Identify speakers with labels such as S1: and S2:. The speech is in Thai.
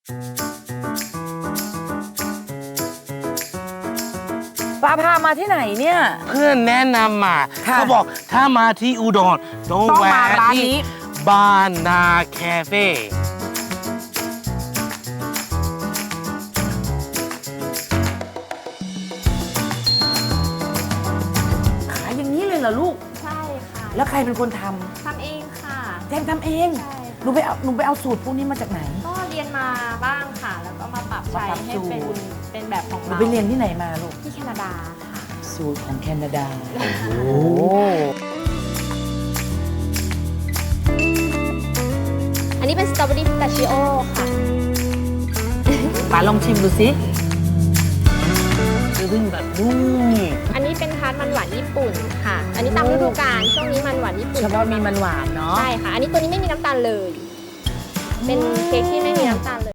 S1: ป้าพามาที่ไหนเนี่ย
S2: เพื่อนแนะนำมา
S1: ค่ะ
S2: เขาบอกถ้ามาที่อุดรต้อง
S1: ต้อง
S2: แวะ
S1: มาร้าน
S2: ที่
S1: นี้
S2: บ้านนาแคเฟ่
S1: ขายอย่างนี้เลยเหรอลูก
S3: ใช่ค่ะ
S1: แล้วใครเป็นคนท
S3: ทำเองค่ะ
S1: ำแจงทำเอง
S3: ใช่
S1: หนูไปเอาสูตรพวกนี้มาจากไหน
S3: ก็เรียนมาบ้างค่ะ แล้วก็มาปรับใช้
S1: มาปรับ
S3: ให้
S1: สูตร
S3: เป็นแบบของ
S1: หนู
S3: เรา
S1: ไปเรียนที่ไหนมาลูก
S3: ที่แคนาดาค่ะ
S1: สูตรของแคนาดา
S2: โอ้
S3: อันนี้เป็นสตรอเบอรี่พิสตาชิโอค่ะ
S1: ป้าลองชิมดูสิ
S2: คือเพิ่งแบบนุ่ม
S3: อันนี้เป็นทาร์ตมันหวานญี่ปุ่นค่ะ อันนี้ตามฤดูกาลช่วงนี้มันหวานญี่ปุ่น
S1: เฉพาะมีมันหวานเนาะ
S3: ใช่ค่ะ อันนี้ตัวนี้ไม่มีน้ำตาลเลย เป็นเค้กที่ไม่มีน้ำตาลเลย